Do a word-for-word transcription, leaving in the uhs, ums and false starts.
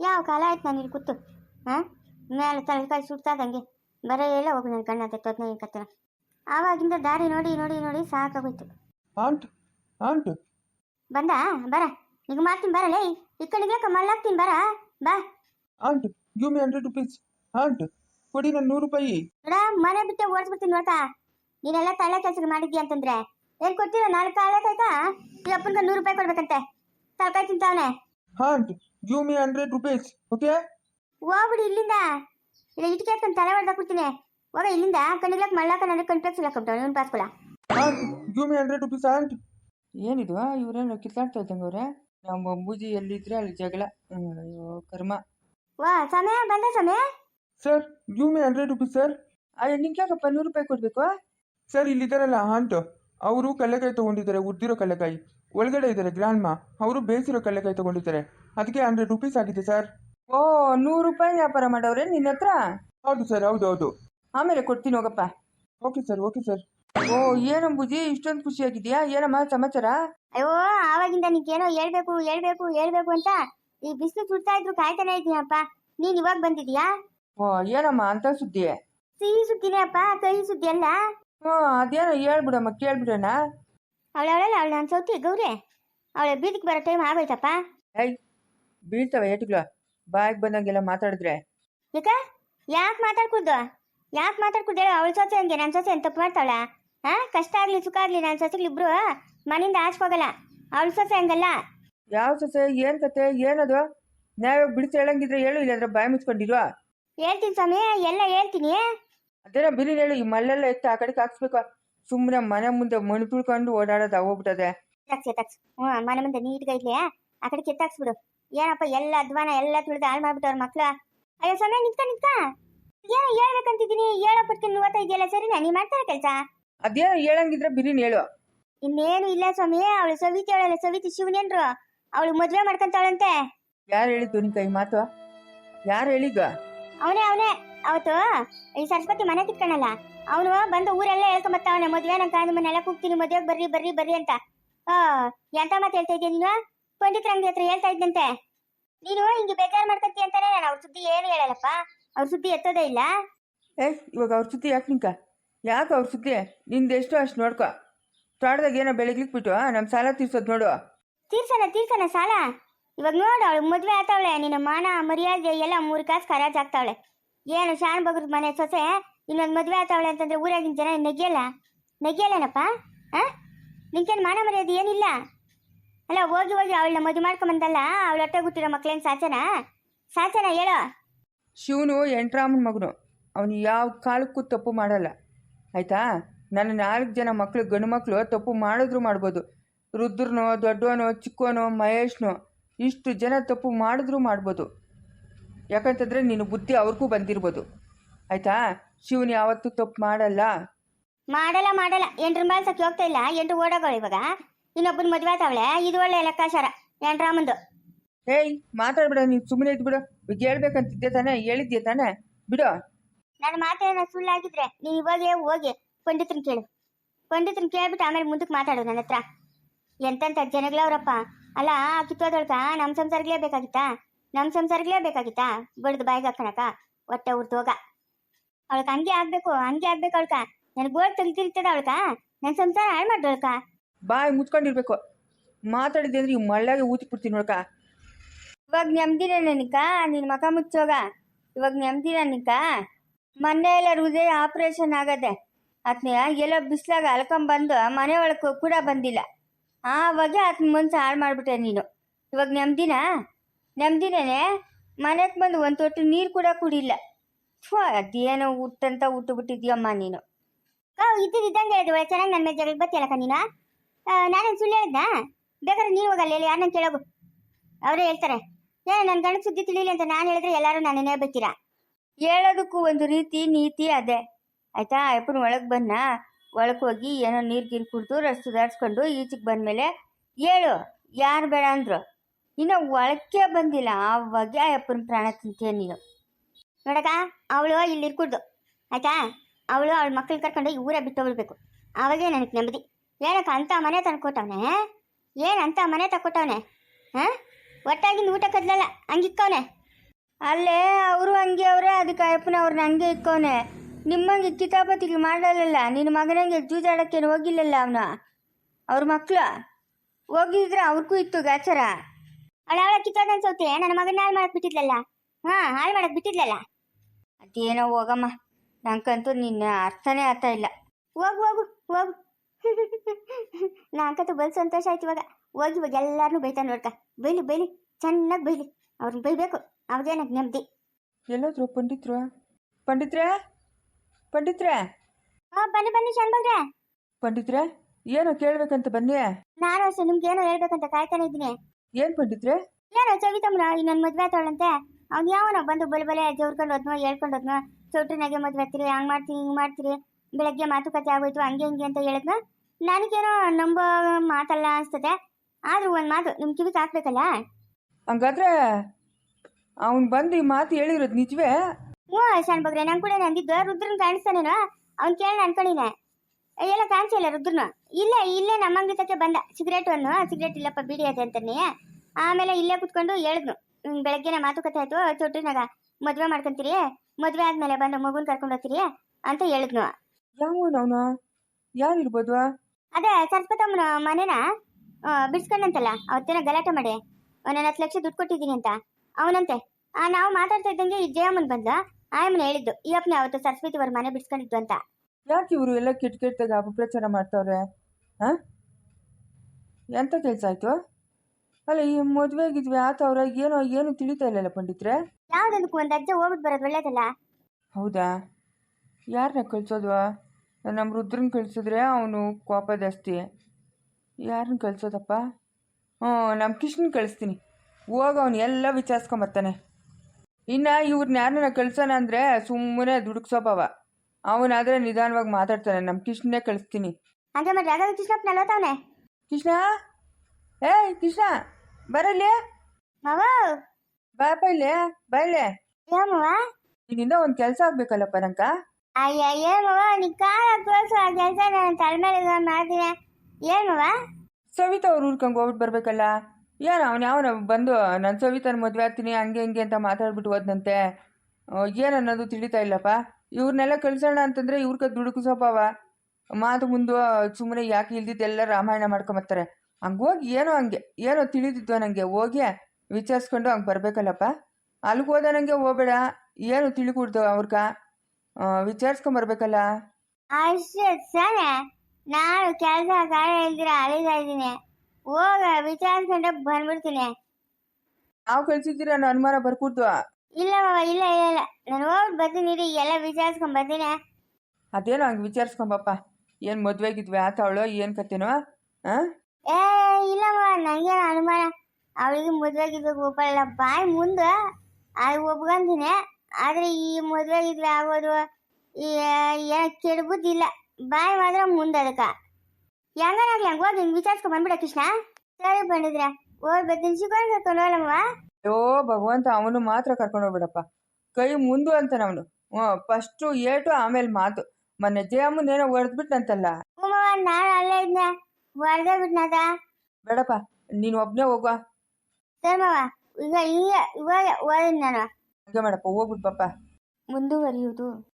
ಯಾವ ಕಾಲ ಆಯ್ತು ನಾನು ಇಲ್ಲಿ ಕೂತು ಹಾಂ ಮೇಲೆ ತಲೆಕಾಯಿ ಸುಡ್ತಾದಂಗೆ ಬರೀ ಎಲ್ಲ ಹೋಗು ನನ್ನ ಕಣ್ಣ ತೆತ್ತೋದ್ನ ಏನು ಕತ್ತಿರ ಆವಾಗಿಂದ ದಾರಿ ನೋಡಿ ನೋಡಿ ನೋಡಿ ಸಾಕಾಗೋಯ್ತು. ಆಂಟ್ ಆಂಟ್ ಬಂದ ಬರ ಈಗ ಮಾಡ್ತೀನಿ ಬರಲೇ ಈ ಕಡೆಗೆ ಮಳ್ಳಾಗ್ತೀನಿ ಬರ ಬಾ. Aunt give me hundred rupees. Aunt ಕೊಡಿ ನನ್ನ ನೂರು ರೂಪಾಯಿ. ನೋಡ ಮನೆ ಬಿಟ್ಟೆ ಓಡಿಸ್ಬಿಡ್ತೀನಿ ನೋಡ್ತಾ ನೀನೆಲ್ಲ ತಲೆ ಕೆಲಸ ಮಾಡಿದ್ಯಾ ಅಂತಂದ್ರೆ ಏನು ಕೊಡ್ತೀರ ನಾಲ್ಕು ಕಾಲಕ್ಕಾಯ್ತಾ ಈ ಅಪ್ಪನಿಗೆ ನೂರು ರೂಪಾಯಿ ಕೊಡ್ಬೇಕಂತೆ ತಲೆಕಾಯಿ ತಿಂತಾವನೆ. Aunt give me hundred rupees okay. ಹೋಗ್ಬಿಡಿ ಇಲ್ಲಿಂದ ಇಲ್ಲ ಇಟ್ಕೆ ಹಾಕೊಂಡು ತಲೆ ಹೊಡೆದ ಕೊಡ್ತೀನಿ ಹೋಗ ಇಲ್ಲಿಂದ ಕಣ್ಣಿಗ್ಲಕ್ಕೆ ಮಳ್ಳಾಕ ನನಗೆ ಕಣ್ಪ್ಲೆಕ್ಸ್ ಇಲ್ಲ ಕೊಡ್ತಾವೆ ಇವನು ಪಾಸ್ಕೊಳ. Aunt give me hundred rupees. Aunt ಏನಿದು ಇವರೇನು ಕಿತ್ತಾಡ್ತಾ ಇದ್ದಂಗೆ ಅವ್ರೆ ನಮ್ಮ ಬೂಜಿ ಎಲ್ಲಿದ್ರೆ ಅಲ್ಲಿ ಜಗಳ. ಅಯ್ಯೋ ಕರ್ಮ. ವಾ ಸಮಯ ಬಂದ ಸಮಯ. Sir give me hundred rupees sir. ಅಯ್ಯೋ ನಿಂಗೆ ಯಾಕಪ್ಪ ನೂರು ರೂಪಾಯಿ ಕೊಡಬೇಕು? ಸರ್ ಇಲ್ಲಿದ್ದಾರಲ್ಲ ಆಂಟ್ ಅವರು ಕಳ್ಳೆಕಾಯಿ ತೊಗೊಂಡಿದ್ದಾರೆ, ಉದ್ದಿರೋ ಕಳ್ಳೆಕಾಯಿ. ಒಳಗಡೆ ಇದ್ದಾರೆ ಗ್ರ್ಯಾಂಡ್ ಮಾ, ಅವರು ಬೇಯಿಸಿರೋ ಕಳ್ಳೆಕಾಯಿ ತೊಗೊಂಡಿದ್ದಾರೆ, ಅದಕ್ಕೆ ಹಂಡ್ರೆಡ್ ರುಪೀಸ್ ಆಗಿದೆ ಸರ್. ಓ ನೂರು ರೂಪಾಯಿ ವ್ಯಾಪಾರ ಮಾಡವ್ರೆ ನಿನ್ನ ಹತ್ರ? ಹೌದು ಸರ್ ಹೌದು ಹೌದು. ಆಮೇಲೆ ಕೊಡ್ತೀನಿ ಹೋಗಪ್ಪ. Okay sir okay sir. ಓ ಏನೋ ಬುಜಿ ಇಷ್ಟೊಂದು ಖುಷಿಯಾಗಿದೆಯಾ? ಏನಮ್ಮ ಸಮಾಚಾರ? ಅಯ್ಯೋ ಆವಾಗಿಂದ ನಿಂಗೇನೋ ಹೇಳ್ಬೇಕು ಹೇಳ್ಬೇಕು ಹೇಳ್ಬೇಕು ಅಂತ ಈ ಬಿಸಿಲು ಸುಡ್ತಾ ಇದ್ರು ಕಾಯ್ತಾನೆ ಇದ್ದೀನಪ್ಪ. ನೀನ್ ಇವಾಗ ಬಂದಿದ್ಯಾ? ಓ ಏನಮ್ಮ ಅಂತ ಸುದ್ದಿ? ಸಿಹಿ ಸುದ್ದಿನೇ ಅಪ್ಪ, ಕಹಿ ಸುದ್ದಿ ಅಲ್ಲ. ಹ್ಞೂ ಅದೇನೋ ಹೇಳ್ಬಿಡಮ್ಮ ಕೇಳ್ಬಿಡೋಣ. ಅವಳವಳಲ್ಲ ಅವಳು ನನ್ನ ಸೌತಿ ಗೌರಿ, ಅವಳ ಬೀದಿಗೆ ಬರೋ ಟೈಮ್ ಆಗೋಯ್ತಪ್ಪ. ಏಯ್ ಬೀಳ್ತವೆ ಏಟುಗಳು ಬಾಯಿಗೆ ಬಂದಂಗೆಲ್ಲ ಮಾತಾಡಿದ್ರೆ. ಯಾಕ ಯಾಕೆ ಮಾತಾಡ್ಕೂಡ್ದು ಯಾಕೆ ಮಾತಾಡ್ಕೂಡ್ದು ಹೇಳು? ಅವಳ ಸೊಸೆ ಹಂಗೆ ನನ್ನ ಸೊಸೆ ಏನು ತಪ್ಪು ಮಾಡ್ತಾವಳ? ಹಾ ಕಷ್ಟ ಆಗ್ಲಿ ಸುಖ ಆಗ್ಲಿ ನನ್ನ ಸೊಸೆಗಳಿಬ್ರು ಮನೆಯಿಂದ ಆಚೆಗೋಗಲ್ಲ. ಅವಳ ಸೊಸೆ ಹಂಗಲ್ಲ. ಯಾವ ಸೊಸೆ ಏನು ಕತೆ ಏನದು? ನ್ಯಾಯ ಬಿಡಿಸಿ ಹೇಳಂಗಿದ್ರೆ ಹೇಳು, ಇಲ್ಲಾಂದ್ರೆ ಬಾಯಿ ಮುಚ್ಕೊಂಡಿರುವ. ಹೇಳ್ತೀನಿ ಸ್ವಾಮಿ ಎಲ್ಲ ಹೇಳ್ತೀನಿ. ಅದೇನೋ ಬಿರಿ ಹೇಳು, ಈ ಮಲ್ಲೆಲ್ಲ ಎತ್ತು ಆ ಕಡೆಗೆ ಹಾಕ್ಸ್ಬೇಕು. ಸುಮ್ಮನೆ ಮನೆ ಮುಂದೆ ಮಣ್ಣು ತುಳ್ಕೊಂಡು ಓಡಾಡೋದು ಹೋಗ್ಬಿಟ್ಟದೆ. ತಗ್ಸಿ ತಗ್ಸು ಹ್ಞೂ ಮನೆ ಮುಂದೆ ನೀಟ್గా ಇರ್ಲಿ ಆ ಕಡೆ ಕಿತ್ತಾಕ್ಸ್ಬಿಡು. ಏನಪ್ಪ ಎಲ್ಲ ಅಧ್ವಾನ ಎಲ್ಲ ತುಳಿದು ಹಾಳು ಮಾಡ್ಬಿಟ್ಟವ್ರ ಮಕ್ಳು. ಅಯ್ಯೋ ಸಮಯ ನಿಂತ್ಕ ನಿಂತ್ಕ ಏನೋ ಹೇಳ್ಬೇಕಂತಿದ್ದೀನಿ ಹೇಳೋ ಪಟ್ಕೊಂಡು ನೋಡ್ತಾ ಇದೆಯಲ್ಲ ಸರಿನಾ? ನೀ ಮಾಡ್ತಾರ ಕೆಲಸ. ಅದೇನೋ ಹೇಳಂಗಿದ್ರೆ ಬಿರಿನ್ ಹೇಳು. ಇನ್ನೇನು ಇಲ್ಲ ಸ್ವಾಮಿ, ಅವಳು ಸವಿತಿ ಅವಳಲ್ಲ ಸವಿತಿ ಶಿವನೇನ್ರು ಅವಳು ಮದುವೆ ಮಾಡ್ಕೊಂತಾಳಂತೆ. ಯಾರು ಹೇಳಿದ್ದು ನಿನ್ ಕೈ ಮಾತು? ಯಾರು ಹೇಳಿದ್ದ? ಅವನೇ ಅವನೇ ಅವತ್ತು ಈ ಸರಸ್ವತಿ ಮನೆ ಕಿತ್ಕೊಂಡಲ್ಲ ಅವನು ಬಂದು ಊರೆಲ್ಲ ಹೇಳ್ಕೊಂಬತ್ತವನೆ ಮದುವೆ ನಂಗೆ ಕಾಂದು ಮನೆಲ್ಲ ಕೂಗ್ತೀನಿ ಮದುವೆಗೆ ಬರ್ರಿ ಬರ್ರಿ ಬರ್ರಿ ಅಂತ. ಆ ಎಂತ ಮಾತು ಹೇಳ್ತಾ ಇದ್ದೀಯ ನೀನು? ಪಂಡಿತರ ಅಂಗಡಿ ಹತ್ರ ಹೇಳ್ತಾ ಇದ್ದಂತೆ. ನೀನು ಹಿಂಗೆ ಬೇಜಾರು ಮಾಡ್ಕೊಂತಿ ಅಂತಾನೆ ನಾನು ಅವ್ರ ಸುದ್ದಿ ಏನು ಹೇಳಲ್ಲಪ್ಪ. ಅವ್ರ ಸುದ್ದಿ ಎತ್ತೋದೇ ಇಲ್ಲ. ಏ ಇವಾಗ ಅವ್ರ ಸುದ್ದಿ ಯಾಕೆ ನಿಂಕ? ಯಾಕೆ ಅವ್ರ ಸುದ್ದಿ? ನಿಂದು ಎಷ್ಟು ಅಷ್ಟು ನೋಡ್ಕೊ. ತೋಟದಾಗ ಏನೋ ಬೆಳಗ್ಲಿಕ್ಕೆ ಬಿಟ್ಟು ನಮ್ಮ ಸಾಲ ತೀರ್ಸೋದು ನೋಡು. ತೀರ್ಸನ ತೀರ್ಸನ ಸಾಲ ಇವಾಗ ನೋಡು. ಅವಳು ಮದುವೆ ಆತವಳೆ, ನಿನ್ನ ಮಾನ ಮರ್ಯಾದೆ ಎಲ್ಲ ಮೂರು ಕಾಸು ಖರಾಜ್ ಆಗ್ತಾವಳೆ. ಏನು ಶಾನ್ ಬಗ್ರದ ಮನೆ ಸೊಸೆ ಇನ್ನೊಂದು ಮದುವೆ ಆತವಳೆ ಅಂತಂದ್ರೆ ಊರಾಗಿನ ಜನ ನೆಗೆಯಲ್ಲ ನೆಗೆಯಲ್ಲೇನಪ್ಪ? ಹಾಂ ನಿಂಕೇನು ಮಾನ ಮರ್ಯಾದೆ ಏನಿಲ್ಲ ಅಲ್ಲ. ಹೋಗಿ ಹೋಗಿ ಅವಳನ್ನ ಮದುವೆ ಮಾಡ್ಕೊಂಬಂದಲ್ಲ ಅವಳ ಹೊಟ್ಟೆ ಗುಟ್ಟಿರೋ ಮಕ್ಳೇನು ಸಾಚನ ಸಾಚನ ಹೇಳೋ? ಶಿವನು ಎಂಟ್ರಾಮನ ಮಗನು, ಅವನು ಯಾವ ಕಾಲಕ್ಕೂ ತಪ್ಪು ಮಾಡಲ್ಲ ಆಯಿತಾ? ನನ್ನ ನಾಲ್ಕು ಜನ ಮಕ್ಕಳು ಗಂಡು ಮಕ್ಕಳು ತಪ್ಪು ಮಾಡಿದ್ರು ಮಾಡ್ಬೋದು. ರುದ್ರನೋ ದೊಡ್ಡವನೋ ಚಿಕ್ಕವನೋ ಮಹೇಶ್ನೋ ಇಷ್ಟು ಜನ ತಪ್ಪು ಮಾಡಿದ್ರು ಮಾಡ್ಬೋದು. ಯಾಕಂತಂದರೆ ನೀನು ಬುದ್ಧಿ ಅವ್ರಿಗೂ ಬಂದಿರ್ಬೋದು ಆಯಿತಾ? ಶಿವನು ಯಾವತ್ತೂ ತಪ್ಪು ಮಾಡಲ್ಲ ಮಾಡಲ್ಲ ಮಾಡಲ್ಲ. ಎಂಟ್ರ ಬಾಳ್ಸಕ್ಕೆ ಹೋಗ್ತಾ ಇಲ್ಲ, ಎಂಟ್ರು ಓಡೋಗಳು. ಇವಾಗ ಇನ್ನೊಬ್ಬನ ಮದುವೆ ಆತವಳೆ, ಇದು ಒಳ್ಳೆ ಲೆಕ್ಕಾಚಾರ ಎಂಟ್ರಾಮಂದು. ಏಯ್ ಮಾತಾಡ್ಬಿಡ, ನೀನು ಸುಮ್ಮನೆ ಇದ್ಬಿಡು. ಈಗ ಹೇಳ್ಬೇಕಂತಿದ್ದೆ ತಾನೆ, ಹೇಳಿದ್ದೆ ತಾನೆ, ಬಿಡು. ನನ್ನ ಮಾತೇನ ಸುಳ್ಳಾಗಿದ್ರೆ ನೀನು ಇವಾಗ ಹೋಗಿ ಪಂಡಿತರನ್ನ ಕೇಳು. ಪಂಡಿತರನ್ನ ಕೇಳ್ಬಿಟ್ಟು ಆಮೇಲೆ ಮುಂದಕ್ಕೆ ಮಾತಾಡು ನನ್ನ ಹತ್ರ. ಎಂತೆಂಥ ಜನಗಳವ್ರಪ್ಪ. ಅಲ್ಲ ಕಿತ್ತೋದೊಳ್ಕ ನಮ್ಮ ಸಂಸಾರಗಳೇ ಬೇಕಾಗಿತ್ತಾ? ನಮ್ಮ ಸಂಸಾರಗಳೇ ಬೇಕಾಗಿತ್ತಾ? ಬಡ್ದು ಬಾಯಿಗೆ ಹಾಕೋಣಕ ಹೊಟ್ಟೆ ಉರ್ದು ಹೋಗ. ಅವಳಕ ಹಂಗೆ ಆಗ್ಬೇಕು ಹಂಗೆ ಆಗ್ಬೇಕು. ಅವಳ್ಕ ನನಗೆ ಗೋಡ್ ತೆಗಿತಿರ್ತದ. ಅವಳ್ಕ ನನ್ನ ಸಂಸಾರ ಹಾಳು ಮಾಡ್ದೊಳ್ಕ. ಬಾಯಿ ಮುಚ್ಕೊಂಡಿರ್ಬೇಕು. ಮಾತಾಡಿದ್ದೆ ಅಂದ್ರೆ ಈ ಮಳ್ಳಾಗೆ ಊತಿಬಿಡ್ತೀನಿ ನೋಡ್ಕ. ಇವಾಗ ನೆಮ್ಮದಿನ ನಿಕ್ಕ ನಿನ್ನ ಮಕ ಮುಚ್ಚೋಗ. ಇವಾಗ ನೆಮ್ಮದಿನ ನಿಕ್ಕ. ಮೊನ್ನೆ ಎಲ್ಲ ಹೃದಯ ಆಪ್ರೇಷನ್ ಆಗದೆ ಆತನ ಎಲ್ಲ ಬಿಸ್ಲಾಗ ಅಲ್ಕೊಂಬಂದು ಮನೆ ಒಳಗೆ ಕೂಡ ಬಂದಿಲ್ಲ. ಆವಾಗ ಆತನ ಮನ್ಸು ಹಾಳು ಮಾಡಿಬಿಟ್ಟೆ ನೀನು. ಇವಾಗ ನೆಮ್ಮದಿನ ನೆಮ್ಮದಿನೇ ಮನೆಗೆ ಬಂದು ಒಂದು ತೊಟ್ಟು ನೀರು ಕೂಡ ಕುಡಿಲ್ಲ. ಥೂ ಅದೇನೋ ಹುಟ್ಟಂತ ಹುಟ್ಟು ಬಿಟ್ಟಿದ್ಯಮ್ಮ ನೀನು. ಇದ್ದಿದ್ದು ಇದ್ದಂಗೆ ಹೇಳಿದ್ರು ಚೆನ್ನಾಗಿ ನನ್ನ ಮೇಲೆ ಜಗಳ ಬತ್ತಿಯಲ್ಲಕ್ಕ ನೀನು. ನಾನೇನು ಸುಳ್ಳು ಹೇಳಿದ್ನಾ? ಬೇಕಾದ್ರೆ ನೀನು ಹೋಗಲ್ಲ ಹೇಳಿ ಯಾರನ್ನ ಕೇಳೋಗು, ಅವರೇ ಹೇಳ್ತಾರೆ. ಏನು ನನ್ನ ಗಂಡಕ್ಕೆ ಸುದ್ದಿ ತಿಳಿಲಿ ಅಂತ ನಾನು ಹೇಳಿದ್ರೆ ಎಲ್ಲರೂ ನನ್ನೇ ಬೇಕಿರಾ? ಹೇಳೋದಕ್ಕೂ ಒಂದು ರೀತಿ ನೀತಿ ಅದೇ ಆಯಿತಾ? ಅಪ್ಪನ ಒಳಗೆ ಬನ್ನ ಒಳಗೆ ಹೋಗಿ ಏನೋ ನೀರು ಗೀರು ಕುಡಿದು ರಸ್ ಸುಧಾರಿಸ್ಕೊಂಡು ಈಚೆಗೆ ಬಂದಮೇಲೆ ಹೇಳು ಯಾರು ಬೇಡ ಅಂದರು. ಇನ್ನು ಒಳಕ್ಕೆ ಬಂದಿಲ್ಲ ಆವಾಗ ಅಪ್ಪನ ಪ್ರಾಣ ತಿಂತೀಯ ನೀನು. ನೋಡಕ ಅವಳು ಇಲ್ಲಿ ಇರ್ಕೂಡ್ದು ಆಯಿತಾ? ಅವಳು ಅವಳ ಮಕ್ಕಳನ್ನ ಕರ್ಕೊಂಡು ಈ ಊರ ಬಿಟ್ಟು ಹೋಗ್ಬೇಕು. ಆವಾಗೇ ನನಗೆ ನೆಮ್ಮದಿ. ಏನಕ್ಕ ಅಂಥ ಮನೆ ತಂದ್ಕೊಟ್ಟವನೆ? ಏನು ಅಂಥ ಮನೆ ತಕ್ಕೊಟ್ಟವನೆ? ಹಾಂ ಒಟ್ಟಾಗಿಂದ ಊಟ ಕದ್ಲಲ್ಲ ಹಂಗಿಕ್ಕವನೆ. ಅಲ್ಲೇ ಅವರು ಹಂಗೆ ಅವರೇ ಅದಕ್ಕೆ ಅಯ್ಯಪ್ಪನ ಅವ್ರನ್ನ ಹಂಗೆ ಇಕ್ಕವನೆ. ನಿಮ್ಮಂಗೆ ಕಿತಾಪತಿಗಳು ಮಾಡಲ್ಲ. ನಿನ್ನ ಮಗನಂಗೆ ಜೂಜಾಡಕ್ಕೇನು ಹೋಗಿಲ್ಲಲ್ಲ ಅವನು. ಅವ್ರ ಮಕ್ಕಳು ಹೋಗಿದ್ರೆ ಅವ್ರಿಗೂ ಇತ್ತು ಗಾಚಾರ. ಅವಳ ಕಿತ್ತೋದ್ ಅನ್ಸೋತೆ ನನ್ನ ಮಗನ ಹಾಳು ಮಾಡಕ್ ಬಿಟ್ಟಿದ್ಲಲ್ಲ. ಹಾ ಹಾಳು ಮಾಡಕ್ ಬಿಟ್ಟಿದ್ಲಲ್ಲ. ಅದೇನೋ ಹೋಗಮ್ಮ, ನಂಗಂತೂ ನಿನ್ನ ಅರ್ಥನೇ ಅರ್ಥ ಇಲ್ಲ. ಹೋಗು ಹೋಗು ಹೋಗು. ನಾಕಂತೂ ಬಲ್ ಸಂತೋಷ ಆಯ್ತು ಇವಾಗ. ಹೋಗಿ ಇವಾಗ ಎಲ್ಲಾರನ್ನೂ ಬೈತಾನೆ ನೋಡ್ಕ. ಬೈಲಿ ಬೈಲಿ ಚೆನ್ನಾಗಿ ಬೈಲಿ. ಅವ್ರನ್ನ ಬೈಬೇಕು, ಅವ್ರದೇ ನನಗೆ ನೆಮ್ಮದಿ. ಎಲ್ಲೋದ್ರು ಪಂಡಿತ್ರು? ಪಂಡಿತ್ರೆ ಪಂಡಿತ್ರೆ ಹಾ ಬನ್ನಿ ಬನ್ನಿ ಶಾನ್ಭಾಗ್ರೆ. ಪಂಡಿತ್ರೆ ಏನೋ ಕೇಳ್ಬೇಕಂತ ಬನ್ನಿ. ನಾನು ಅಷ್ಟೇ ನಿಮ್ಗೆ ಏನೋ ಹೇಳ್ಬೇಕಂತ ಕಾಯ್ತಾನೆ ಇದ್ದೀನಿ. ಏನು ಪಂಡಿತ್ರೆ? ಏನೋ ಚವಿತಮ್ಮನ ಇನ್ನೊಂದು ಮದ್ವೆ ಆತವಳಂತೆ. ಅವ್ನು ಯಾವನೋ ಬಂದು ಬಲೆ ಬಲೆ ಜೋರ್ಕೊಂಡು ಹೋದ್ನೋ ಹೇಳ್ಕೊಂಡು ಹೋದ್ನೋ. ಚೌಟ್ರಿನಾಗೆ ಮದ್ವೆ ಆಗ್ತೀರಿ, ಹಂಗೆ ಮಾಡ್ತೀರಿ ಹಿಂಗೆ ಮಾಡ್ತೀರಿ, ಬೆಳಗ್ಗೆ ಮಾತುಕತೆ ಆಗೋಯ್ತು ಹಂಗೆ ಹಿಂಗೆ ಅಂತ ಹೇಳಿದ್ನ. ನನಗೇನೋ ನಂಬೋ ಮಾತಲ್ಲ ಅನ್ಸ್ತದೆ. ಆದ್ರೂ ಒಂದು ಮಾತು ನಿಮ್ಮ ಕಿವಿಗೆ ಹಾಕ್ಬೇಕಲ್ಲ. ಹಂಗಾದ್ರೆ ಅವ್ನು ಬಂದು ಈ ಮಾತು ಹೇಳಿರೋದು ನಿಜವೇ? ಹ್ಞೂ ಶಾನ್ಭಾಗ್ರೆ, ನಂಗೆ ಕೂಡ ನಂದಿದ್ದು ರುದ್ರನ್ ಕಾಣಿಸ್ತಾನೇನೋ. ಅವ್ನು ಕೇಳಿ ಅನ್ಕೊಂಡಿನೇ ಎಲ್ಲ ಕಾಣಿಸಿಲ್ಲ ರುದ್ರನು. ಇಲ್ಲೇ ಇಲ್ಲೇ ನಮ್ಮಂಗಿ ತಕ್ಕೆ ಬಂದ. ಸಿಗರೇಟ್ ಅನ್ನು ಸಿಗರೇಟ್ ಇಲ್ಲಪ್ಪ ಬಿಡಿ ಅದೇ ಅಂತಾನೆ. ಆಮೇಲೆ ಇಲ್ಲೇ ಕುತ್ಕೊಂಡು ಹೇಳಿದ್ನು, ಬೆಳಗ್ಗೆನ ಮಾತುಕತೆ ಆಯ್ತು ಚೌಟ್ರಿನಾಗ ಮದ್ವೆ ಮಾಡ್ಕೊಂತೀರಿ, ಮದ್ವೆ ಆದ್ಮೇಲೆ ಬಂದು ಮಗುನ್ ಕರ್ಕೊಂಡು ಹೋಗ್ತೀರಿ ಅಂತ ಹೇಳಿದ್ನು. ಯಾವನು ಅವನು? ಯಾರಿರ್ಬೋದು? ಅದೇ ಸರಸ್ವತಮ್ಮನ ಮನೇನ ಬಿಡ್ಸ್ಕೊಂಡಂತಲ್ಲ ಅವತ್ತೇನೋ ಗಲಾಟೆ ಮಾಡಿ ನನ್ನ ಹತ್ತು ಲಕ್ಷ ದುಡ್ಡು ಕೊಟ್ಟಿದ್ದೀನಿ ಅಂತ ಅವನಂತೆ. ಆ ನಾವು ಮಾತಾಡ್ತಾ ಇದ್ದಂಗೆ ಈ ಜಯಮ್ಮನ್ ಬಂದ್ಲು. ಆಯಮ್ಮನ ಹೇಳಿದ್ದು ಈ ಅಪ್ಪನೇ ಅವತ್ತು ಸರಸ್ವತಿ ಅವ್ರ ಮನೆ ಬಿಡ್ಸ್ಕೊಂಡಿದ್ದು ಅಂತ. ಯಾಕೆ ಇವರು ಎಲ್ಲ ಕೆಟ್ಟ ಕೆಟ್ಟದಾಗ ಅಪಪ್ರಚಾರ ಮಾಡ್ತಾವ್ರೆ? ಹಾಂ, ಎಂಥ ಕೆಲಸ ಆಯಿತು? ಅಲ್ಲ, ಈ ಮದುವೆ ಗಿದ್ವೆ ಆತವ್ರ ಏನೋ ಏನು ತಿಳಿತಾ ಇಲ್ಲಲ್ಲ ಪಂಡಿತ್ರೆ? ಯಾವ್ದದಕ್ಕೂ ಒಂದು ಅಜ್ಜ ಹೋಗ್ಬಿಟ್ಟು ಬರೋದು ಒಳ್ಳೇದಲ್ಲ. ಹೌದಾ? ಯಾರನ್ನ ಕಳಿಸೋದು? ನಮ್ಮ ರುದ್ರನ್ ಕಳಿಸಿದ್ರೆ ಅವನು ಕೋಪ ಜಾಸ್ತಿ. ಯಾರನ್ನ ಕಳಿಸೋದಪ್ಪ? ಹ್ಞೂ, ನಮ್ಮ ಕೃಷ್ಣನ್ ಕಳಿಸ್ತೀನಿ. ಹೋಗ ಅವನು ಎಲ್ಲ ವಿಚಾರಿಸ್ಕೊಂಬರ್ತಾನೆ. ಇನ್ನು ಇವ್ರನ್ನ ಯಾರನ್ನ ಕಳ್ಸೋಣ ಅಂದರೆ ಸುಮ್ಮನೆ ದುಡುಕ್ ಸ್ವಭಾವ. ಅವನಾದರೆ ನಿಧಾನವಾಗಿ ಮಾತಾಡ್ತಾನೆ. ನಮ್ಮ ಕೃಷ್ಣನೇ ಕಳಿಸ್ತೀನಿ. ಹಂಗೆ ಮಾಡ್ರಿ. ಹಾಗಾಗಿ ಕೃಷ್ಣಪ್ಪ ನಲ್ವತ್ತವನೆ. ಕೃಷ್ಣ, ಏಯ್ ಕೃಷ್ಣ ಬರಲಿ. ಮಾವ ಬಾಪ ಇಲ್ಲೇ ಬರಲೇ. ಏಮವ? ನಿನ್ನಿಂದ ಒಂದು ಕೆಲಸ ಆಗ್ಬೇಕಲ್ಲಪ್ಪ ನಂಕ. ಅಯ್ಯ ಏಮವ, ನೀ ಕಾಲ ತೋರಿಸು ಆ ಕೆಲಸ ನಾನು ತಲೆ ಮೇಲೆ ಮಾಡ್ತೀನಿ. ಏಮವ? ಸವಿತಾ ಅವ್ರು ಊರ್ಕಂಗೆ ಹೋಗ್ಬಿಟ್ಟು ಬರಬೇಕಲ್ಲ. ಏನು ಅವನು ಯಾವನ ಬಂದು ನಾನು ಸವಿತಾನ ಮದುವೆ ಆಗ್ತೀನಿ ಹಂಗೆ ಹಿಂಗೆ ಅಂತ ಮಾತಾಡ್ಬಿಟ್ಟು ಹೋದಂತೆ. ಏನನ್ನೋದು ತಿಳಿತಾ ಇಲ್ಲಪ್ಪ. ಇವ್ರನ್ನೆಲ್ಲ ಕಳ್ಸೋಣ ಅಂತಂದರೆ ಇವ್ರಿಗೆ ದುಡುಕು ಸ್ವಭಾವ. ಮಾತು ಮುಂದೆ ಸುಮ್ಮನೆ ಯಾಕೆ ಇಲ್ದಿದ್ದೆಲ್ಲ ರಾಮಾಯಣ ಮಾಡ್ಕೊಂಬರ್ತಾರೆ. ಹಂಗೆ ಹೋಗಿ ಏನೋ ಹಂಗೆ ಏನೋ ತಿಳಿದಿದ್ವ ನನಗೆ ಹೋಗಿ ವಿಚಾರಿಸ್ಕೊಂಡು ಹಂಗೆ ಬರಬೇಕಲ್ಲಪ್ಪ. ಅಲ್ಲಿಗೆ ಹೋದ ನನಗೆ ಹೋಗಬೇಡ, ಏನು ತಿಳಿಕೊಡ್ದು ಅವ್ರಕ ವಿಚಾರಿಸ್ಕೊಂಬರ್ಬೇಕಲ್ಲ. ಅಷ್ಟೇ ಸರಿ. ನಾನು ಕೆಲಸ ಕಾರ್ಯ ಇಲ್ದಿರ ಅಳಿತಾ ಇದ್ದೀನಿ. ಹೋಗ ವಿಚಾರಿಸ್ಕೊಂಡೆ ಬಂದ್ಬಿಡ್ತೀನಿ. ನಾವು ಕಳ್ಸಿದ್ದೀರ ಅನ್ನೋ ಅನುಮಾನ ಬರ್ಕೊಡ್ತು. ಇಲ್ಲ ಮಾವ, ಇಲ್ಲ ಇಲ್ಲ ಇಲ್ಲ, ನಾನು ಹೋಗಿ ಬರ್ತೀನಿ ರೀ. ಎಲ್ಲ ವಿಚಾರಿಸ್ಕೊಂಡ್ ಬರ್ತೀನಿ. ಅದೇನೋ ಹಂಗೆ ವಿಚಾರಿಸ್ಕೊಂಬಪ್ಪ. ಏನು ಮದುವೆಗಿದ್ವಿ ಆತವಳು ಏನು ಕತ್ತೇನೋ? ಹಾಂ, ಏ ಇಲ್ಲ ಮಾವ, ನನಗೇನು ಅನುಮಾನ. ಅವಳಿಗೆ ಮದುವೆಗಿದ್ಬೇಕು ಒಪ್ಪಲ್ಲ. ಬಾಯಿ ಮುಂದೆ ಅದು ಒಪ್ಕೊಂತೀನಿ. ಆದರೆ ಈ ಮದುವೆಗಿದ್ವಿ ಆಗೋದು ಈ ಏನೋ ಕೆಡಬುದಿಲ್ಲ. ಬಾಯಿ ಮಾತ್ರ ಮುಂದೆ ಅದಕ್ಕೆ ಹೆಂಗನಾಗ್ಲಿ ಹಂಗೆ ಹೋಗಿ ಹಿಂಗೆ ವಿಚಾರಿಸ್ಕೊಂಡ್ ಬಂದ್ಬಿಡ ಕೃಷ್ಣ. ಸರಿ ಬಂದಿದ್ರೆ ಹೋಗಿ ಬರ್ತೀನಿ. ಸಿಗೋಣ ಕರ್ಕೊಂಡು ಹೋಗಲ್ಲಮ್ಮ. ಅಯ್ಯೋ ಭಗವಂತ, ಅವನು ಮಾತ್ರ ಕರ್ಕೊಂಡು ಹೋಗ್ಬಿಡಪ್ಪ. ಕೈ ಮುಂದು ಅಂತಾನೆ ಅವನು. ಹ್ಞೂ, ಫಸ್ಟು ಏಟು ಆಮೇಲೆ ಮಾತು. ಮೊನ್ನೆ ಜಯಮ್ಮನೇನೋ ಹೊಡೆದ್ಬಿಟ್ಟಂತಲ್ಲ. ಹ್ಞೂ ಮಾವ, ನಾನು ಅಲ್ಲೇ ಇದ್ನೆ, ಹೊಡೆದೇ ಬಿಟ್ನದ. ಬೇಡಪ್ಪ, ನೀನು ಒಬ್ಬನೇ ಹೋಗುವ. ಸರಿ ಮಾವ, ಈಗ ಈಗ ಇವಾಗ ಓದಿನಿ ನಾನು. ಹಾಗೆ ಮಾಡಪ್ಪ, ಹೋಗ್ಬಿಟ್ಟು ಪಾಪ. ಮುಂದುವರಿಯುವುದು